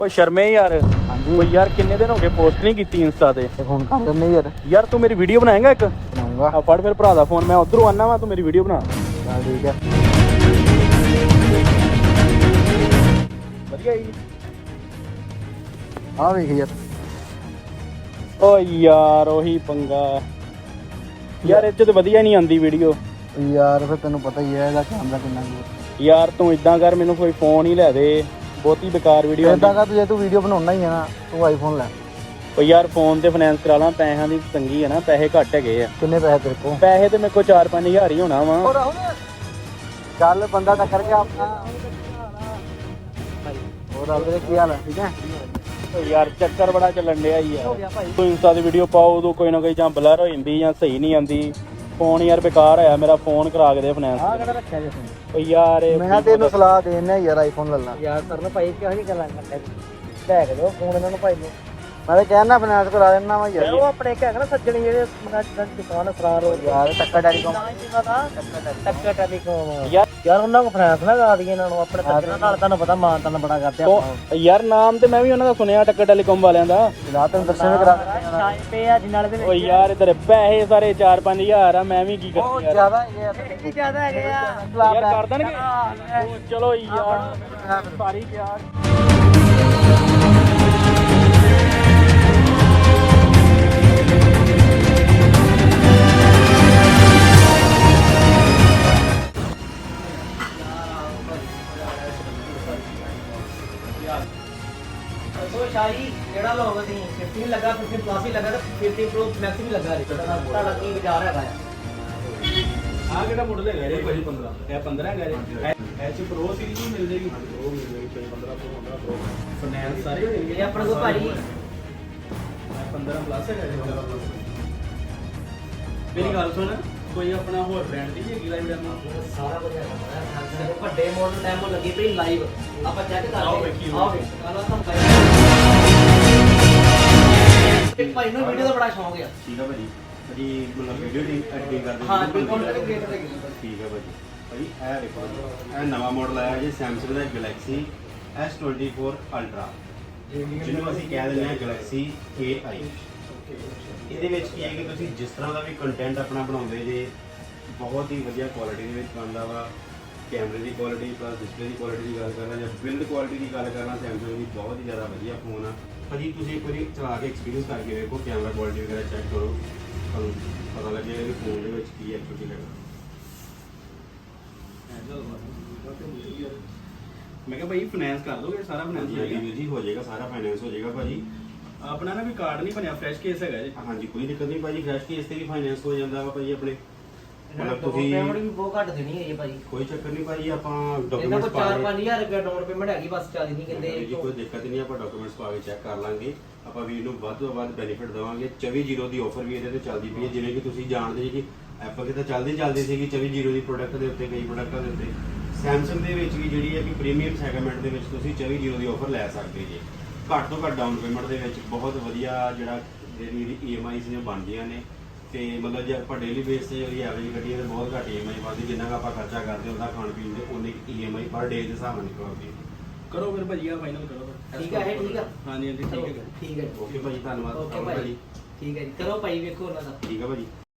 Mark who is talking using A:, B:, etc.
A: ਓਏ ਸ਼ਰਮੇ ਯਾਰ।
B: ਹਾਂਜੀ
A: ਓਏ ਯਾਰ ਕਿੰਨੇ ਦਿਨ ਹੋ ਗਏ ਪੋਸਟ ਨਹੀਂ ਕੀਤੀ ਇੰਸਟਾ ਤੇ।
B: ਹੁਣ ਕਰ ਦਿੰਦੇ ਯਾਰ।
A: ਯਾਰ ਤੂੰ ਮੇਰੀ ਵੀਡੀਓ ਬਣਾਏਗਾ ਇੱਕ?
B: ਬਣਾਉਂਗਾ।
A: ਆ ਫੜ ਫਿਰ ਭਰਾ ਦਾ ਫੋਨ, ਮੈਂ ਉਧਰੋਂ ਆਨਾ ਵਾ, ਤੂੰ ਮੇਰੀ ਵੀਡੀਓ ਬਣਾ।
B: ਚੱਲ ਠੀਕ ਹੈ।
A: ਵਧੀਆ ਜੀ।
B: ਆ ਵੇਖ ਯਾਰ।
A: ਓ ਯਾਰ ਉਹੀ ਪੰਗਾ ਯਾਰ, ਇਹ 'ਚ ਤੇ ਵਧੀਆ ਨਹੀਂ ਆਉਂਦੀ ਵੀਡੀਓ।
B: ਯਾਰ ਫਿਰ ਤੈਨੂੰ ਪਤਾ ਹੀ ਹੈ ਇਹਦਾ ਕੈਮਰਾ ਕਿੰਨਾ ਕੁ।
A: ਯਾਰ ਤੂੰ ਇਦਾਂ ਕਰ, ਮੈਨੂੰ ਕੋਈ ਫੋਨ ਹੀ ਲੈ ਦੇ, ਬਹੁਤੀ ਬੇਕਾਰ ਵੀਡੀਓ
B: ਇਦਾਂ ਕਰ, ਜੇ ਤੂੰ ਵੀਡੀਓ ਬਣਾਉਣਾ ਹੀ ਹੈ ਨਾ, ਤੂੰ ਆਈਫੋਨ ਲੈ।
A: ਓ ਯਾਰ ਫੋਨ ਤੇ ਫਾਈਨੈਂਸ ਕਰਾ ਲਾਂ, ਪੈਸਿਆਂ ਦੀ ਤੰਗੀ ਹੈ ਨਾ, ਪੈਸੇ ਘੱਟ ਹੈਗੇ ਆ।
B: ਕਿੰਨੇ ਪੈਸੇ ਤੇਰੇ ਕੋਲ?
A: ਪੈਸੇ ਤੇ ਮੇਰੇ ਕੋਲ 4-5 ਹਜ਼ਾਰ ਹੀ ਹੋਣਾ ਵਾ।
B: ਚੱਲ ਬੰਦਾ ਟੱਕਰ ਗਿਆ ਆਪਣਾ। ਹੋਰ ਆਲਰੇ ਕੀ ਹਾਲ ਹੈ? ਠੀਕ ਹੈ।
A: ਓ ਯਾਰ ਚੱਕਰ ਬੜਾ ਚੱਲਣ ਡਿਆ ਹੀ
B: ਹੋ
A: ਆ।
B: ਗਿਆ ਭਾਈ।
A: ਤੂੰ ਇੰਸਟਾ ਦੀ ਵੀਡੀਓ ਪਾਓ ਉਦੋਂ ਕੋਈ ਨਾ ਕੋਈ ਜਾਂ ਬਲਰ ਹੋ ਜਾਂਦੀ ਜਾਂ ਸਹੀ ਨਹੀਂ ਆਉਂਦੀ। ਫੋਨ ਯਾਰ ਬੇਕਾਰ ਹੋਇਆ ਮੇਰਾ, ਫੋਨ ਕਰਾ ਕੇ ਦੇ ਫਾਈਨੈਂਸ।
B: ਆ ਕਿਹੜਾ ਰੱਖਿਆ ਜੇ ਫੋਨ?
A: ਓ ਯਾਰ
B: ਮੈਂ ਤੈਨੂੰ ਸਲਾਹ ਦੇਣਾ ਯਾਰ, ਆਈਫੋਨ ਲੈ ਲਾ। ਯਾਰ ਤਰਨ ਭਾਈ ਕਿਹੋ ਜਿਹੀ ਗੱਲਾਂ ਕਰਦੇ, ਲੈ ਕੇ ਦਿਓ ਫੋਨ ਇਹਨਾਂ ਨੂੰ ਭਾਈ ਨੂੰ। ਮੈਂ ਤਾਂ ਕਹਿਣਾ ਫਾਈਨੈਂਸ ਕਰਾ ਦੇਣਾ ਵਾ ਯਾਰ। ਉਹ ਆਪਣੇ ਇੱਕ ਹੈਗਾ ਨਾ ਸੱਜਣੀ, ਜਿਹੜੇ ਦੁਕਾਨ ਸਰਾਰ ਹੋ ਯਾਰ। ਟੱਕਰ ਟੈਲੀਕਾਮ। ਟੱਕਰ ਟੈਲੀਕਾਮ ਯਾਰ ਉਹਨਾਂ ਕੋਲ ਫਾਈਨੈਂਸ ਨਾ ਕਰਾ ਦਈਏ ਇਹਨਾਂ ਨੂੰ। ਆਪਣੇ ਸੱਜਣਾ ਨਾਲ ਤੁਹਾਨੂੰ ਪਤਾ ਮਾਨ ਤਾਨ ਬੜਾ ਕਰਦੇ ਆਪਾਂ।
A: ਯਾਰ ਨਾਮ ਤੇ ਮੈਂ ਵੀ ਉਹਨਾਂ ਦਾ ਸੁਣਿਆ, ਟੱਕਰ ਟੈਲੀਕਾਮ ਵਾਲਿਆਂ ਦਾ।
B: ਰਾਤ ਨੂੰ ਦਰਸ਼ਨ ਵੀ ਕਰਾ ਦਿੰਦੇ ਆ ਜਿਨਾਲੇ ਦੇ ਵਿੱਚ।
A: ਓ ਯਾਰ ਇਧਰ ਪੈਸੇ ਸਾਰੇ 4-5 ਹਜ਼ਾਰ ਆ, ਮੈਂ ਵੀ ਕੀ ਕਰਾਂ ਯਾਰ।
B: ਜ਼ਿਆਦਾ ਹੈਗੇ ਆ, ਇਹ ਜ਼ਿਆਦਾ ਹੈਗੇ ਆ
A: ਯਾਰ ਕਰ ਦੇਣਗੇ। ਓ ਚਲੋ ਯਾਰ ਸਾਰੀ ਯਾਰ।
C: ਸ਼ਾਹੀ ਜਿਹੜਾ ਲੋਗ ਅਸੀਂ 15 ਲੱਗਾ, 15 ਪਲੱਸ ਹੀ ਲੱਗਾ ਤੇ 15 ਪ੍ਰੋ ਮੈਕਸ ਵੀ ਲੱਗਾ ਰੇ। ਤੁਹਾਡਾ ਕੀ ਵਿਚਾਰ ਹੈਗਾ ਆ?
A: ਆ ਕਿਹੜਾ ਮਾਡਲ ਹੈਗਾ ਰੇ ਭਾਈ? 15 ਇਹ 15 ਹੈਗਾ ਰੇ। ਐਚ ਪ੍ਰੋ ਸੀਰੀਜ਼ ਵੀ ਮਿਲ ਜੇਗੀ। ਉਹ ਮਿਲ ਜੇਗੀ 15 ਪ੍ਰੋ, 15 ਪ੍ਰੋ ਫਾਈਨੈਂਸ ਸਾਰੇ ਹੋ ਜਾਣਗੇ।
C: ਇਹ ਆਪਣੇ ਕੋਲ ਭਾਜੀ
A: 15 ਪਲੱਸ ਹੈਗਾ ਰੇ। ਮੇਰੀ ਗੱਲ ਸੁਣ, ਕੋਈ ਆਪਣਾ ਹੋਰ ਬ੍ਰਾਂਡ ਦੀ ਵੀ ਹੈਗੀ ਲਾਈਵ ਡੈਮੋ?
C: ਸਾਰਾ ਕੁਝ ਹੈਗਾ। ਵੱਡੇ ਮਾਡਲ ਡੈਮੋ ਲੱਗੀ ਪਈ ਲਾਈਵ, ਆਪਾਂ ਚੈੱਕ ਕਰ
A: ਆਓ
C: ਲਈਏ।
A: ਵੇਖੀਏ।
C: ਆਓ ਵੇਖ ਆਲਾ ਤੁਹਾਨੂੰ ਇੱਕ ਭਾਈ ਨੂੰ ਵੀਡੀਓ ਦਾ ਬੜਾ ਸ਼ੌਂਕ ਹੈ।
D: ਠੀਕ ਆ ਭਾਜੀ। ਭਾਜੀ ਮਤਲਬ ਵੀਡੀਓ ਦੀ ਐਡੀਟਿੰਗ ਕਰਦੇ
C: ਹਾਂ ਬਿਲਕੁਲ ਕ੍ਰੀਏਟਰ ਦੇ।
D: ਠੀਕ ਆ ਭਾਜੀ। ਭਾਜੀ ਇਹ ਦੇਖੋ, ਇਹ ਨਵਾਂ ਮਾਡਲ ਆਇਆ ਜੀ ਸੈਮਸੰਗ ਦਾ ਗੈਲੈਕਸੀ S24 ਅਲਟਰਾ, ਜਿਹਨੂੰ ਅਸੀਂ ਕਹਿ ਦਿੰਦੇ ਹਾਂ ਗੈਲੈਕਸੀ AI। ਇਹਦੇ ਵਿੱਚ ਕੀ ਹੈ ਕਿ ਤੁਸੀਂ ਜਿਸ ਤਰ੍ਹਾਂ ਦਾ ਵੀ ਕੰਟੈਂਟ ਆਪਣਾ ਬਣਾਉਂਦੇ ਜੇ, ਬਹੁਤ ਹੀ ਵਧੀਆ ਕੁਆਲਿਟੀ ਦੇ ਵਿੱਚ ਬਣਦਾ ਵਾ। ਕੈਮਰੇ ਦੀ ਕੁਆਲਿਟੀ ਪਲੱਸ ਡਿਸਪਲੇ ਦੀ ਕੁਆਲਿਟੀ ਦੀ ਗੱਲ ਕਰਨਾ ਜਾਂ ਬਿਲਡ ਕੁਆਲਿਟੀ ਦੀ ਗੱਲ ਕਰਨਾ, ਸੈਮਸੰਗ ਦੀ ਬਹੁਤ ਹੀ ਜ਼ਿਆਦਾ ਵਧੀਆ ਫੋਨ ਆ ਭਾਜੀ। ਤੁਸੀਂ ਇੱਕ ਵਾਰੀ ਚਲਾ ਕੇ ਐਕਸਪੀਰੀਅੰਸ ਕਰਕੇ ਵੇਖੋ, ਕੈਮਰਾ ਕੁਆਲਿਟੀ ਵਗੈਰਾ ਚੈੱਕ ਕਰੋ, ਤੁਹਾਨੂੰ ਪਤਾ ਲੱਗੇਗਾ ਕਿ ਫੋਨ ਦੇ ਵਿੱਚ ਕੀ ਐਕਚੁਅਲੀ ਹੈਗਾ।
A: ਮੈਂ ਕਿਹਾ ਭਾਈ ਫਾਈਨੈਂਸ ਕਰ ਦੋਗੇ? ਸਾਰਾ ਫਾਈਨੈਂਸ
D: ਜੀ ਹੋ ਜਾਏਗਾ, ਸਾਰਾ ਫਾਈਨੈਂਸ ਹੋ ਜਾਏਗਾ ਭਾਜੀ।
A: ਆਪਣਾ ਨਾ ਵੀ ਕਾਰਡ ਨਹੀਂ ਬਣਿਆ, ਫਰੈਸ਼ ਕੇਸ ਹੈਗਾ ਜੀ।
D: ਹਾਂਜੀ ਕੋਈ ਦਿੱਕਤ ਨਹੀਂ ਭਾਜੀ, ਫਰੈਸ਼ ਕੇਸ ਤੇ ਵੀ ਫਾਈਨੈਂਸ ਹੋ ਜਾਂਦਾ ਵਾ ਭਾਜੀ ਆਪਣੇ। ਮਤਲਬ ਤੁਸੀਂ
C: ਪੇਮੈਂਟ ਵੀ ਬਹੁਤ ਘੱਟ ਦੇਣੀ ਹੈ ਜੀ ਭਾਜੀ।
D: ਕੋਈ ਚੱਕਰ ਨਹੀਂ ਭਾਜੀ, ਆਪਾਂ
C: ਇਹਨਾਂ
D: ਡਾਕੂਮੈਂਟਸ
C: ਕੋਲ
D: ਪਾ ਕੇ
C: 4-5000 ਰੁਪਏ ਡਾਊਨ ਪੇਮੈਂਟ ਹੈਗੀ, ਬਸ ਚੱਲਦੀ ਨਹੀਂ
D: ਜੀ
C: ਕਹਿੰਦੇ।
D: ਕੋਈ ਦਿੱਕਤ ਨਹੀਂ, ਆਪਾਂ ਡਾਕੂਮੈਂਟਸ ਪਾ ਕੇ ਚੈੱਕ ਕਰ ਲਾਂਗੇ। ਆਪਾਂ ਵੀਰ ਨੂੰ ਵੱਧ ਤੋਂ ਵੱਧ ਬੈਨੀਫਿਟ ਦੇਵਾਂਗੇ। 24/0 ਦੀ ਆਫਰ ਵੀ ਇਹਦੇ ਤੇ ਚੱਲਦੀ ਪਈ ਹੈ, ਜਿਵੇਂ ਕਿ ਤੁਸੀਂ ਜਾਣਦੇ ਜੀ ਕਿ ਐਪਲ ਕਿਤੇ ਚੱਲਦੀ ਸੀਗੀ 24/0 ਦੀ ਪ੍ਰੋਡਕਟ ਦੇ ਉੱਤੇ, ਕਈ ਪ੍ਰੋਡਕਟਾਂ ਦੇ ਉੱਤੇ। ਸੈਮਸੰਗ ਦੇ ਵਿੱਚ ਵੀ ਜਿਹੜੀ ਹੈ ਕਿ ਪ੍ਰੀਮੀਅਮ ਸੈਗਮੈਂਟ ਦੇ ਵਿੱਚ ਤੁਸੀਂ 24/0 ਦੀ ਆਫਰ ਲੈ ਸਕਦੇ ਜੀ। ਘੱਟ ਤੋਂ ਘੱਟ ਡਾਊਨ ਪੇਮੈਂਟ ਦੇ ਵਿੱਚ ਬਹੁਤ ਵਧੀਆ ਜਿਹੜਾ ਜਿਹੜੀ EMIs ਨੇ ਬਣਦੀਆਂ ਨੇ। ਤੇ ਮਤਲਬ ਜੇ ਆਪਾਂ ਡੇਲੀ ਬੇਸ ਤੇ ਜਿਹੜੀ ਐਵਰੇਜ ਕੱਢੀਏ ਤਾਂ ਬਹੁਤ ਘੱਟ EMI ਬਣਦੀ, ਜਿੰਨਾ ਕੁ ਆਪਾਂ ਖਰਚਾ ਕਰਦੇ ਉਹਦਾ ਖਾਣ ਪੀਣ ਦੇ ਉਨੇ EMI ਪਰ ਡੇ ਦੇ ਹਿਸਾਬ ਨਾਲ ਨਿਕਲਦੀ ਹੈ।
A: ਕਰੋ ਫਿਰ ਭਾਜੀ, ਆ ਫਾਈਨਲ ਕਰੋ।
C: ਠੀਕ ਹੈ, ਠੀਕ ਆ।
A: ਹਾਂਜੀ ਹਾਂਜੀ ਠੀਕ ਹੈ।
C: ਠੀਕ ਹੈ
D: ਓਕੇ ਭਾਜੀ, ਧੰਨਵਾਦ।
C: ਓਕੇ ਭਾਈ, ਠੀਕ ਹੈ ਜੀ। ਕਰੋ ਭਾਈ ਵੇਖੋ ਉਹਨਾਂ ਦਾ।
D: ਠੀਕ ਹੈ ਭਾਜੀ।